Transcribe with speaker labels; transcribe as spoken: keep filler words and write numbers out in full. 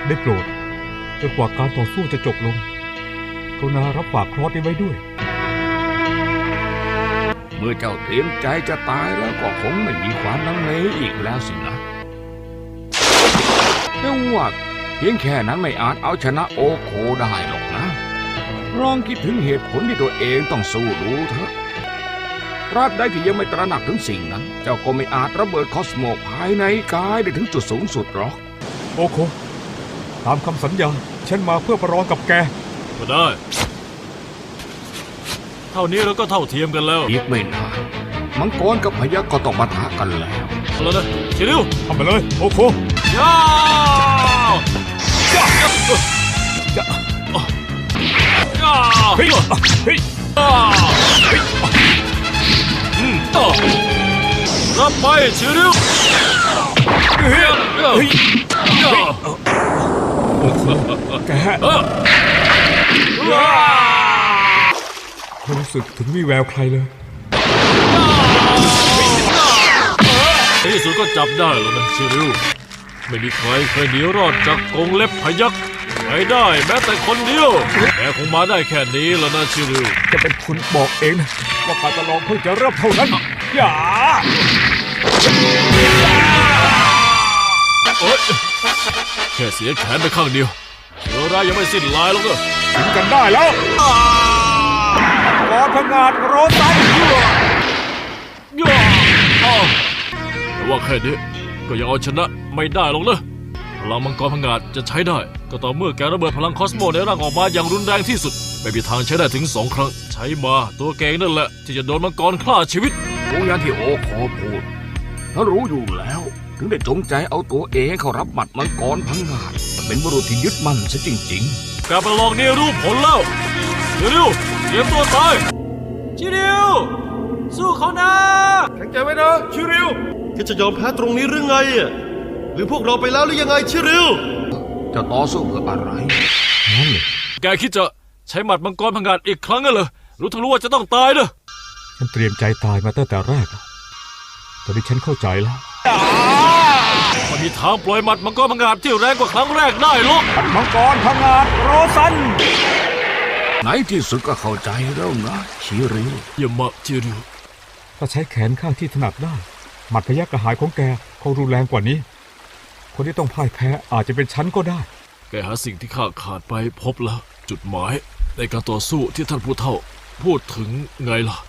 Speaker 1: ได้โปรดจนกว่าการต่อสู้จะจบลงกรุณารับฝากครอสนี้ไว้ด้วย
Speaker 2: เมื่อเจ้าเตรียมใจจะตายแล้วก็คงไม่มีความลังเลอีกแล้วสินะแต่ว่าเพียงแค่นั้นไม่อาจเอาชนะโอโคได้หรอกนะลองคิดถึงเหตุผลที่ตัวเองต้องสู้ดูเถอะตราบใดที่ยังไม่ตระหนักถึงสิ่งนั้นเจ้าก็ไม่อาจระเบิดคอสโมภายในกายได้ถึงจุดสูงสุดหรอก
Speaker 1: โอโคตามคำสัญญาฉันมาเพื่อประลองกับแก
Speaker 3: ก็ได้เท่านี้เราก็เท่าเทียมกันแล้ว
Speaker 2: อีกไม่นานมังกรกับพยัคฆ์ก็ต้องปะทะกันแล้ว
Speaker 3: แล้วนะชิริว
Speaker 1: ทำไปเลยโอโค
Speaker 3: ย่าย่า
Speaker 1: ย่า
Speaker 3: ย่า
Speaker 1: เฮ้ยเฮ้ยเฮ้ย
Speaker 3: อืมต่อรับไปชิริว
Speaker 1: เฮ้ยเฮ้ยโอ้โหแกไม่รู้สึกถึงวิแววใครเลย
Speaker 3: ในที่สุดก็จับได้แล้วนะชิริวไม่มีใครเคยหนีรอดจากกรงเล็บพยัคฆ์ไปได้แม้แต่คนเดียวแกคงมาได้แค่นี้แล้วนะชิริว
Speaker 1: จะเป็นคุณบอกเองนะว่าการประลองเพิ่งจะเริ่มเท่านั้นอย่า
Speaker 3: เอ้ยแค่เสียแขนไปข้างเดียวเชื้อร้ายยังไม่สิ้นลายหรอกเนอะ
Speaker 1: ถึงกันได้แล้วกอพงาดโรซัน
Speaker 3: แต่ว่าแค่นี้ก็ยังเอาชนะไม่ได้หรอกนะพลังมังกรพงาดจะใช้ได้ก็ต่อเมื่อแกระเบิดพลังคอสโมในร่างออกมาอย่างรุนแรงที่สุดไม่มีทางใช้ได้ถึงสองครั้งใช้มาตัวแกนั่นแหละที่จะโดนมังกรฆ่าชีวิต
Speaker 2: รู้อย่างที่โอโคพูดถ้ารู้อยู่แล้วถึงได้จงใจเอาตัวเองเข้ารับหมัดมังกรพังงาดเป็นบุรุษที่ยึดมั่นซะจริง
Speaker 3: ๆการประลองนี้รู้ผลแล้วชิริวเตรียมตัวตายชิริวสู้เขานะ
Speaker 4: แข็งใจไว้นะชิริวแกจะยอมแพ้ตรงนี้หรือไงหรือพวกเราไปแล้วหรือยังไงชิริว
Speaker 2: จะต่อสู้เพื่ออะไร
Speaker 1: นั่นเลย
Speaker 3: แกคิดจะใช้หมัดมังกรพังงาดอีกครั้งเหรอรู้ทั้งรู้ว่าจะต้องตายเนอะ
Speaker 1: ฉันเตรียมใจตายมาตั้งแต่แรกตอนนี้ฉันเข้าใจแล้ว
Speaker 3: ไม่มีทางปล่อยหมัดมังกรพังงาดที่แรงกว่าครั้งแรกได้หรอก
Speaker 1: มังกรพังงาดโรซัน
Speaker 2: ไหนที่สุดก็เข้าใจแล้วนะชิริว
Speaker 3: อย่ามาชิริว
Speaker 1: ถ้าใช้แขนข้างที่ถนัดได้หมัดพยัคฆ์กระหายของแกคงรุนแรงกว่านี้คนที่ต้องพ่ายแพ้อาจจะเป็นฉันก็ได้
Speaker 3: แกหาสิ่งที่ข้าขาดไปพบแล้วจุดหมายในการต่อสู้ที่ท่านผู้เฒ่าพูดถึงไงล่ะ